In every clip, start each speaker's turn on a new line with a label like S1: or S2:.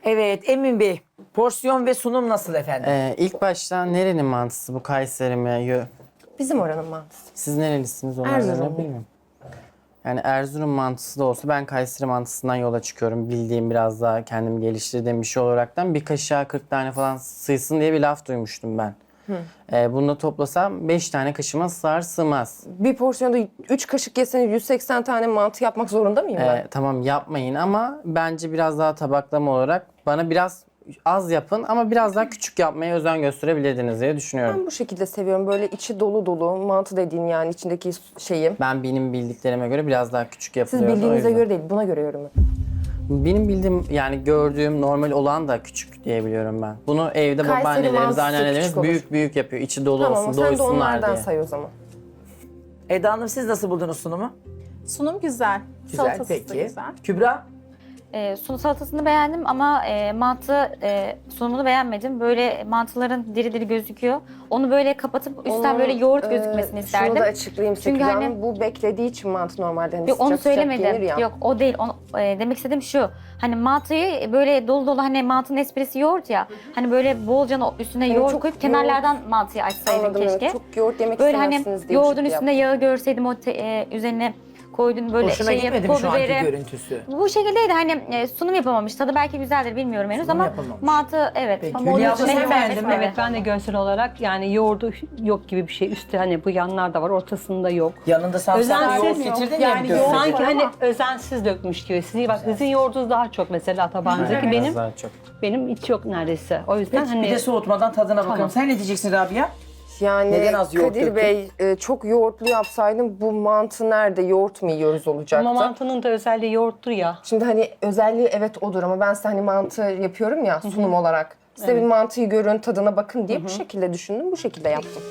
S1: Evet Emin Bey, porsiyon ve sunum nasıl efendim?
S2: İlk başta nerenin mantısı bu, Kayseri mi?
S3: Bizim oranın mantısı.
S2: Siz nerelisiniz onu
S3: Erzurum.
S2: öğrenebilir miyim? Yani Erzurum mantısı da olsa ben Kayseri mantısından yola çıkıyorum. Bildiğim, biraz daha kendimi geliştirdiğim bir şey olaraktan bir kaşığa 40 tane falan sığsın diye bir laf duymuştum ben. Bunu da toplasam 5 tane kaşıma sığar sığmaz.
S3: Bir porsiyonda 3 kaşık yeseniz 180 tane mantı yapmak zorunda mıyım ben?
S2: Tamam yapmayın ama bence biraz daha tabaklama olarak bana biraz az yapın ama biraz daha küçük yapmaya özen gösterebilirdiniz diye düşünüyorum.
S3: Ben bu şekilde seviyorum. Böyle içi dolu dolu mantı dediğin yani içindeki şeyi.
S2: Benim bildiklerime göre biraz daha küçük
S3: Siz
S2: yapılıyor.
S3: bildiğinize göre değil, buna göre yorum yapın.
S2: Benim bildiğim yani gördüğüm normal olan da küçük diyebiliyorum ben. Bunu evde
S3: Kayseri
S2: babaannelerimiz,
S3: mantısı
S2: anneannelerimiz
S3: küçük olur.
S2: büyük büyük yapıyor. İçi dolu
S3: Tamam,
S2: olsun,
S3: sen de
S2: doysunlar
S3: onlardan
S2: diye.
S3: say o zaman.
S1: Eda Hanım siz nasıl buldunuz sunumu?
S4: Sunum güzel.
S1: Güzel
S4: Salatası da
S1: peki.
S4: güzel.
S1: Kübra?
S5: Sunu salatasını beğendim ama mantı sunumunu beğenmedim. Böyle mantıların diri diri gözüküyor. Onu böyle kapatıp üstten böyle yoğurt gözükmesini isterdim.
S3: Şunu da açıklayayım
S5: Çünkü
S3: Sekül
S5: hani-
S3: Hanım. Bu beklediği için mantı normalde hani
S5: Yok onu
S3: sıcak sıcak yenir
S5: söylemedim.
S3: ya.
S5: Yok o değil. Onu, demek istediğim şu. Hani mantıyı böyle dolu dolu hani mantının esprisi yoğurt ya. Hani böyle bolca üstüne
S3: Hani
S5: yoğurt
S3: çok
S5: koyup kenarlardan mantıyı açsaydın
S3: Anladım,
S5: keşke.
S3: evet. Çok yoğurt yemek
S5: Böyle hani
S3: istemezsiniz diye
S5: yoğurdun
S3: bir şey
S5: üstünde yağı görseydim o üzerine koyduğun böyle
S1: Hoşuna
S5: şeyi,
S1: gitmedi mi
S5: pul
S1: şu anki
S5: biberi.
S1: görüntüsü?
S5: Bu şekildeydi hani sunum yapamamış. Tadı belki güzeldir bilmiyorum henüz
S1: Sunum
S5: ama
S1: yapamamış.
S5: mantı evet.
S1: Peki,
S5: Ama onun
S1: Hülya abla
S5: üstüne
S1: sen
S5: yoğurt
S1: beğendin mi?
S5: etmedi.
S6: Evet ben de görsel olarak yani yoğurdu yok gibi bir şey. Üstü hani bu yanlarda var, ortasında yok.
S1: Yanında sarımsaklı
S6: Özensiz
S1: yoğurt
S6: mi?
S1: getirdin
S4: Yani
S1: ya.
S4: yoğurt-
S6: Sanki
S4: var
S6: hani
S4: ama-
S6: özensiz dökmüş gibi. Sizin yoğurdunuz daha çok mesela tabağınızdaki.
S2: Biraz
S6: Benim
S2: daha çok.
S6: hiç yok neredeyse. O yüzden
S1: Peki
S6: hani
S1: bir de soğutmadan tadına bakalım.
S6: Tamam.
S1: Sen ne diyeceksin Rabia?
S3: Yani
S1: Neden az yoğurt
S3: Kadir
S1: döktün?
S3: Bey çok yoğurtlu yapsaydım bu mantı nerede yoğurt mu yiyoruz olacaktı.
S6: ama mantının da özelliği yoğurttur ya.
S3: Şimdi hani özelliği evet odur ama ben size hani mantı yapıyorum ya sunum olarak. Size bir mantıyı görün, tadına bakın diye bu şekilde düşündüm, bu şekilde yaptım.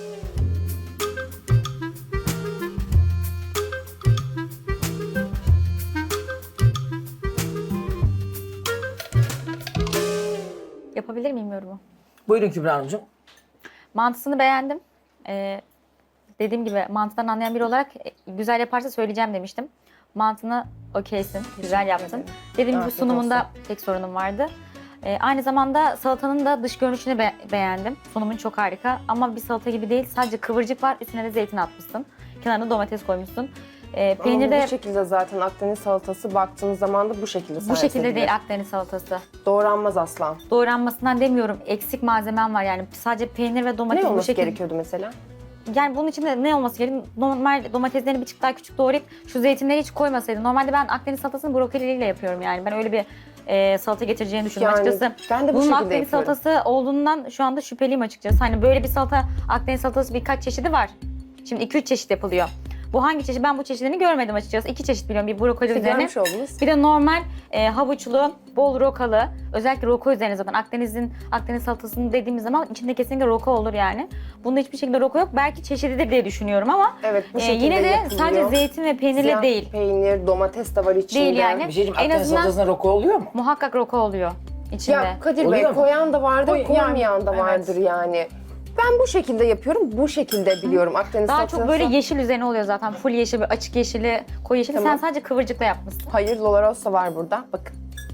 S5: Yapabilir miyim yorumu?
S1: Buyurun Kübra Hanımcığım.
S5: Mantısını beğendim. Dediğim gibi mantıdan anlayan biri olarak güzel yaparsa söyleyeceğim demiştim. Mantını okeysin, güzel yaptın. Dediğim gibi
S3: Afiyet
S5: sunumunda tek sorunum vardı. Aynı zamanda salatanın da dış görünüşünü beğendim. Sunumun çok harika ama bir salata gibi değil. Sadece kıvırcık var, üstüne de zeytin atmışsın. Kenarına domates koymuşsun. Peynir
S3: Ama
S5: de
S3: bu şekilde zaten Akdeniz salatası baktığınız zaman da bu şekilde
S5: bu şekilde
S3: edilir.
S5: değil Akdeniz salatası.
S3: Doğranmaz asla.
S5: Doğranmasından demiyorum, eksik malzemem var yani. Sadece peynir ve domates
S3: Ne
S5: bu
S3: olması
S5: şekilde.
S3: gerekiyordu mesela?
S5: Yani bunun içinde ne olması gerekiyor? Normal domateslerini bir çık daha küçük doğrayıp şu zeytinleri hiç koymasaydı. Normalde ben Akdeniz salatasını brokoliyle yapıyorum yani. Ben öyle bir salata getireceğini düşündüm
S3: Yani
S5: açıkçası.
S3: ben de bu
S5: Bunun
S3: şekilde
S5: Akdeniz
S3: yapıyorum.
S5: salatası olduğundan şu anda şüpheliyim açıkçası. Hani böyle bir salata, Akdeniz salatası birkaç çeşidi var. Şimdi 2-3 çeşit yapılıyor. Bu hangi çeşit? Ben bu çeşidini görmedim açıkçası. 2 çeşit biliyorum. Bir brokoli üzerine.
S3: Görmüş oldunuz.
S5: Bir de normal havuçlu, bol rokalı, özellikle roko üzerine zaten Akdeniz salatasını dediğimiz zaman içinde kesinlikle roko olur yani. Bunda hiçbir şekilde roko yok. Belki çeşididir diye düşünüyorum ama
S3: Evet bu şekilde
S5: yine de
S3: yapılıyor.
S5: sadece zeytin ve peynirle
S3: Siyah
S5: değil.
S3: peynir, domates de var içinde.
S5: Değil yani.
S1: Bir şey diyeyim,
S5: En
S1: Akdeniz
S5: azından-
S1: salatasına roko oluyor mu?
S5: Muhakkak roko oluyor içinde.
S3: Ya Kadir
S1: Oluyor
S3: Bey
S1: mu?
S3: koyan da vardır,
S4: Yani,
S3: koymayan da
S4: evet.
S3: vardır yani. Ben bu şekilde yapıyorum, bu şekilde biliyorum Akdeniz
S5: Daha
S3: salatası.
S5: çok böyle yeşil üzerine oluyor zaten. Full yeşil, böyle açık yeşili, koyu yeşili.
S3: Tamam.
S5: Sen sadece kıvırcıkla yapmışsın.
S3: Hayır, Lolarosa var burada. Bakın,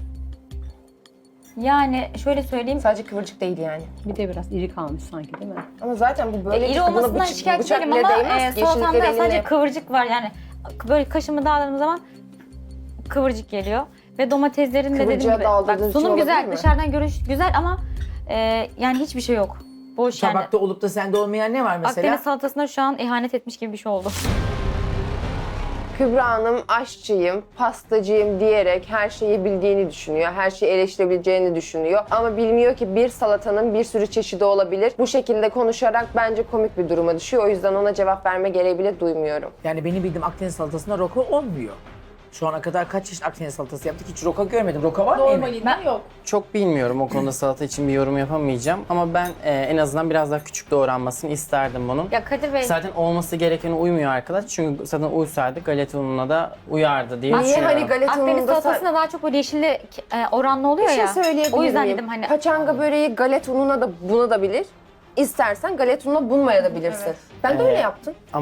S5: Yani şöyle söyleyeyim.
S3: sadece kıvırcık değil yani.
S6: Bir de biraz iri kalmış sanki değil mi?
S3: Ama zaten bu böyle
S5: İri
S3: çıktı, buna
S5: olmasından
S3: bıçak
S5: şikayetçi değilim
S3: bile
S5: ama
S3: değmez ki,
S5: salatamda
S3: yeşillikleri
S5: sadece
S3: eline-
S5: kıvırcık var yani. Böyle kaşımı dağladığım zaman kıvırcık geliyor. Ve domateslerin de dediğim
S3: Kıvırcığa
S5: gibi. Bak
S3: daldırdığın için
S5: sunum
S3: olabilir
S5: güzel,
S3: mi?
S5: dışarıdan görünüş güzel ama yani hiçbir şey yok. Boş yani.
S1: Tabakta olup da sende olmayan ne var mesela?
S5: Akdeniz salatasına şu an ihanet etmiş gibi bir şey oldu.
S3: Kübra Hanım aşçıyım, pastacıyım diyerek her şeyi bildiğini düşünüyor. Her şeyi eleştirebileceğini düşünüyor. Ama bilmiyor ki bir salatanın bir sürü çeşidi olabilir. Bu şekilde konuşarak bence komik bir duruma düşüyor. O yüzden ona cevap verme gereği bile duymuyorum.
S1: Yani benim bildiğim Akdeniz salatasında roko olmuyor. Şu ana kadar kaç çeşit Akdeniz salatası yaptık hiç roka görmedim. Roka var mı? Emin?
S4: Normalinde yok.
S2: Çok bilmiyorum o konuda, salata için bir yorum yapamayacağım ama ben en azından biraz daha küçük doğranmasını isterdim bunun.
S5: Ya Kadir Bey,
S2: Zaten olması gerekene uymuyor arkadaş çünkü zaten uysaydı galeta ununa da uyardı diye
S3: Niye
S2: düşünüyorum.
S3: hani galeta
S5: Akdeniz
S3: ununda
S5: salatasında daha çok böyle yeşilli oranlı oluyor
S3: bir şey
S5: ya.
S3: söyleyebilir
S5: O yüzden
S3: miyim?
S5: dedim hani.
S3: Paçanga böreği galet ununa da bunabilir. İstersen galet ununa bunmayabilirsin. Ben de öyle yaptım.
S2: Ama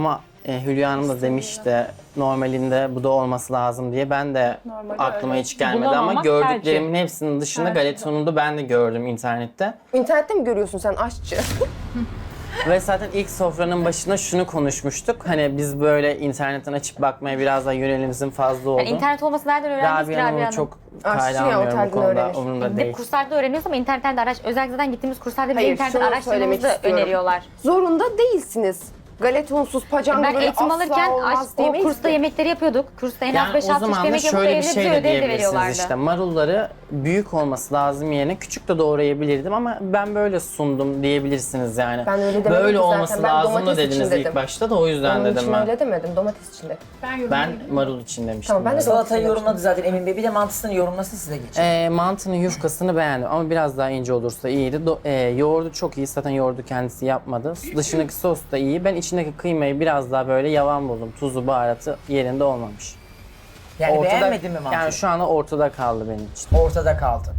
S2: Hülya Hanım da demişti normalinde bu da olması lazım diye. Ben de aklıma hiç gelmedi ama
S6: Bulamamak
S2: gördüklerimin hepsinin dışında galetonunu da ben de gördüm internette.
S3: İnternette mi görüyorsun sen aşçı?
S2: Ve zaten ilk sofranın başında şunu konuşmuştuk. Hani biz böyle internetten açıp bakmaya biraz daha yönelimizin fazla oldu.
S5: Yani internet olması nereden öğrendiniz ki
S2: Rabia Hanım'ı
S5: Rabia Hanım?
S2: çok
S3: Aşçı
S2: kale
S3: ya,
S2: almıyorum bu
S3: otelden
S2: konuda.
S3: öğrenir.
S2: Umurumda
S5: Bir de
S2: değil.
S5: kurslarda öğreniyoruz ama internetten de özellikle zaten gittiğimiz kurslarda bile
S3: Hayır,
S5: internetten
S3: şunu söylemek
S5: araştırmamızı
S3: istiyorum.
S5: öneriyorlar.
S3: Zorunda değilsiniz. Galetonsuz, pacangı
S5: Ben
S3: böyle
S5: eğitim
S3: asla
S5: alırken
S3: olmaz
S5: o
S3: diyemeyiz
S5: kursta
S3: ki.
S5: yemekleri yapıyorduk. Kursta en az
S2: Yani
S5: 5-6
S2: o
S5: çeşit
S2: zaman da
S5: yemek yapıp
S2: şöyle bir
S5: evde
S2: şey
S5: bize
S2: de
S5: ödev de
S2: diyebilirsiniz
S5: veriyorlardı.
S2: işte. Marulları büyük olması lazım yerine küçük de doğrayabilirdim ama ben böyle sundum diyebilirsiniz yani.
S3: Ben öyle demedim
S2: böyle
S3: ki zaten.
S2: olması
S3: Ben
S2: lazım da
S3: domates için
S2: dediniz
S3: dedim.
S2: ilk başta da o yüzden
S3: Onun
S2: dedim
S3: için
S2: ben.
S3: öyle demedim, domates için dedim.
S2: Ben marul için demiştim.
S3: Tamam, ben de
S2: yani.
S1: Salatayı yorumladı zaten Emin Bey. Bir de mantısını yorumlasın size geçelim.
S2: Mantının yufkasını beğendim ama biraz daha ince olursa iyiydi. Yoğurdu çok iyi. Zaten yoğurdu kendisi yapmadı. Dışındaki sos da iyi. Ben içindeki kıymayı biraz daha böyle yavan buldum. Tuzu, baharatı yerinde olmamış.
S1: Yani beğenmedin mi mantıyı?
S2: Yani şu anda ortada kaldı benim için.
S1: Ortada kaldı.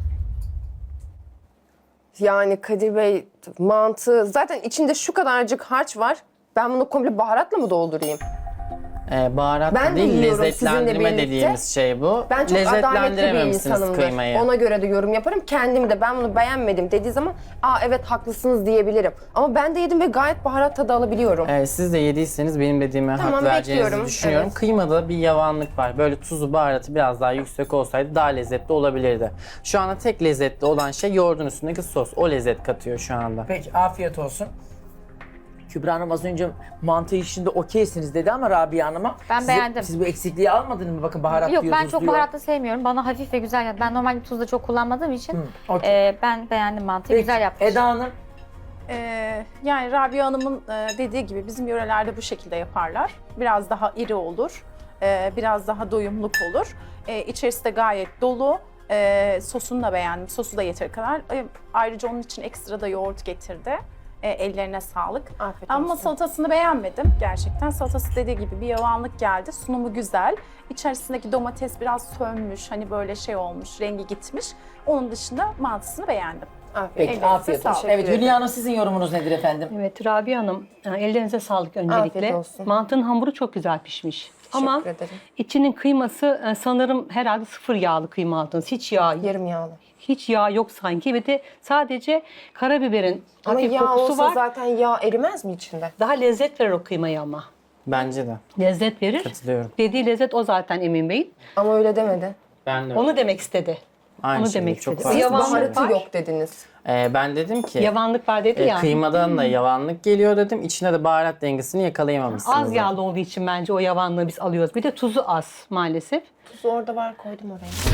S3: Yani Kadir Bey mantı zaten içinde şu kadarcık harç var. Ben bunu komple baharatla mı doldurayım?
S2: Baharat
S3: Ben de
S2: değil,
S3: yiyorum
S2: lezzetlendirme
S3: sizinle birlikte.
S2: dediğimiz şey bu.
S3: Ben çok adaletli bir
S2: Lezzetlendirememişsiniz
S3: insanımdır.
S2: kıymayı.
S3: Ona göre de yorum yaparım. Kendim de ben bunu beğenmedim dediği zaman evet haklısınız diyebilirim. Ama ben de yedim ve gayet baharat tadı alabiliyorum.
S2: Siz de yediyseniz benim dediğime
S3: Tamam,
S2: hak vereceğinizi
S3: bekliyorum.
S2: düşünüyorum.
S3: Evet.
S2: Kıymada bir yavanlık var. Böyle tuzu, baharatı biraz daha yüksek olsaydı daha lezzetli olabilirdi. Şu anda tek lezzetli olan şey yoğurdun üstündeki sos. O lezzet katıyor şu anda.
S1: Peki afiyet olsun. Kübra Hanım az önce mantı işinde okeysiniz dedi ama Rabia Hanım'a.
S5: Ben beğendim.
S1: Siz bu eksikliği almadınız mı? Bakın baharat
S5: Yok
S1: diyor,
S5: ben
S1: tuz
S5: çok
S1: diyor.
S5: baharatlı sevmiyorum. Bana hafif ve güzel geldi. Ben normalde tuz da çok kullanmadığım için
S1: okey.
S5: ben beğendim mantıyı.
S1: Peki,
S5: Güzel yapmış.
S1: Eda Hanım.
S4: Yani Rabia Hanım'ın dediği gibi bizim yörelerde bu şekilde yaparlar. Biraz daha iri olur, biraz daha doyumluk olur. İçerisi de gayet dolu. Sosunu da beğendim, sosu da yeteri kadar. Ayrıca onun için ekstra da yoğurt getirdi. Ellerine sağlık.
S3: Afiyet
S4: Ama
S3: olsun.
S4: salatasını beğenmedim gerçekten. Salatası dediği gibi bir yavanlık geldi. Sunumu güzel. İçerisindeki domates biraz sönmüş, hani böyle şey olmuş, rengi gitmiş. Onun dışında mantısını beğendim.
S3: Afiyet.
S1: Peki
S4: Ellerinize
S1: afiyet olsun.
S4: sağlık.
S1: Evet Hülya Hanım sizin yorumunuz nedir efendim?
S6: Evet Rabia Hanım, ellerinize sağlık öncelikle.
S3: Afiyet olsun.
S6: Mantının hamuru çok güzel pişmiş. Ama
S3: ederim.
S6: içinin kıyması sanırım herhalde sıfır yağlı kıyma aldınız. Hiç yağ,
S3: Yarım yağlı.
S6: hiç yağ yok sanki ve de sadece karabiberin
S3: Ama
S6: hafif
S3: yağ
S6: kokusu
S3: olsa
S6: var.
S3: zaten yağ erimez mi içinde?
S6: Daha lezzet verir o kıymaya ama.
S2: Bence de.
S6: Lezzet verir.
S2: Katılıyorum.
S6: Dediği lezzet o zaten Emin Bey'in.
S3: Ama öyle demedi.
S2: Ben de.
S6: Onu demek istedi.
S2: Aynı
S6: onu
S2: şey,
S6: demek
S2: çok
S6: istedi.
S2: farklı.
S6: Yavanlık
S3: Baharatı
S6: var.
S3: yok dediniz.
S2: Ben dedim ki
S6: Yavanlık var dedi ya.
S2: kıymadan da yavanlık geliyor dedim. İçine de baharat dengesini yakalayamamışsınız.
S6: Az yağlı olduğu için bence o yavanlığı biz alıyoruz. Bir de tuzu az maalesef.
S3: Tuzu orada var, koydum oraya.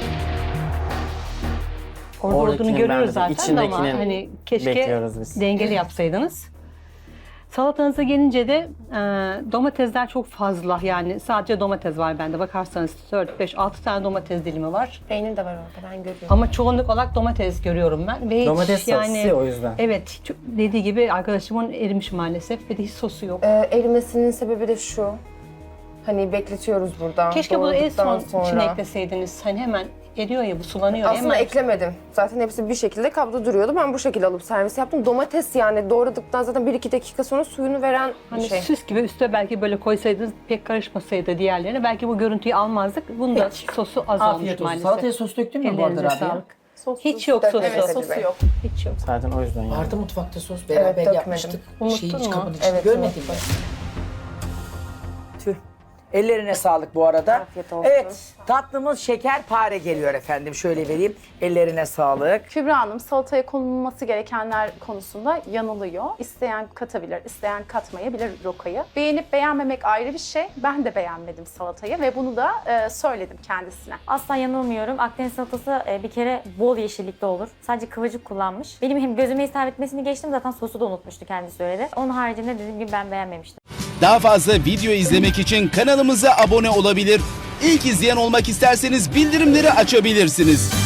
S6: Orada
S2: Oradakinin
S6: olduğunu görüyoruz
S2: ben de
S6: zaten ama
S2: içindekinin
S6: hani keşke
S2: bekliyoruz biz.
S6: dengeli yapsaydınız. Salatanıza gelince de domatesler çok fazla, yani sadece domates var bende. Bakarsanız 4, 5, 6 tane domates dilimi var.
S3: Peynir de var orada, ben görüyorum.
S6: Ama çoğunluk olarak domates görüyorum ben. Ve hiç
S2: Domates sosu o yüzden.
S6: Evet, dediği gibi arkadaşımın erimiş maalesef ve de hiç sosu yok.
S3: Erimesinin sebebi de şu. Hani bekletiyoruz burada.
S6: Keşke bunu en son
S3: doğradıktan
S6: içine ekleseydiniz. Hani hemen eriyor ya, bu sulanıyor.
S3: Aslında
S6: hemen.
S3: eklemedim. Zaten hepsi bir şekilde kabda duruyordu. Ben bu şekilde alıp servis yaptım. Domates yani doğradıktan zaten 1-2 dakika sonra suyunu veren
S6: Hani
S3: bir şey.
S6: süs gibi üstüne belki böyle koysaydınız, pek karışmasaydı diğerlerine belki bu görüntüyü almazdık. Bunun da sosu az olmuş
S1: Afiyet olsun.
S6: maalesef.
S1: Salataya sos döktün mü bu arada
S6: Ellerinize
S1: Rabia?
S6: sağlık.
S4: Sossuz
S6: Hiç yok
S4: dökmedim.
S6: sosu.
S4: Evet, sosu yok.
S6: Hiç yok.
S2: Zaten o yüzden yani.
S1: Vardı mutfakta sos beraber
S3: dökmedim.
S1: yapmıştık.
S6: Unuttun
S1: Şeyin
S6: mu?
S1: kabın içinde
S3: Evet,
S1: görmedin mi?
S3: unuttum.
S1: Tüh. Ellerine sağlık bu arada.
S3: Afiyet olsun.
S1: Evet tatlımız şekerpare geliyor efendim. Şöyle vereyim. Ellerine sağlık.
S4: Kübra Hanım salataya konulması gerekenler konusunda yanılıyor. İsteyen katabilir, isteyen katmayabilir rokayı. Beğenip beğenmemek ayrı bir şey. Ben de beğenmedim salatayı ve bunu da söyledim kendisine.
S5: Asla yanılmıyorum. Akdeniz salatası bir kere bol yeşillikte olur. Sadece kıvırcık kullanmış. Benim hem gözüme hitap etmesini geçtim, zaten sosu da unutmuştu kendisi söyledi. Onun haricinde dediğim gibi ben beğenmemiştim.
S7: Daha fazla video izlemek için kanalımıza abone olabilir. İlk izleyen olmak isterseniz bildirimleri açabilirsiniz.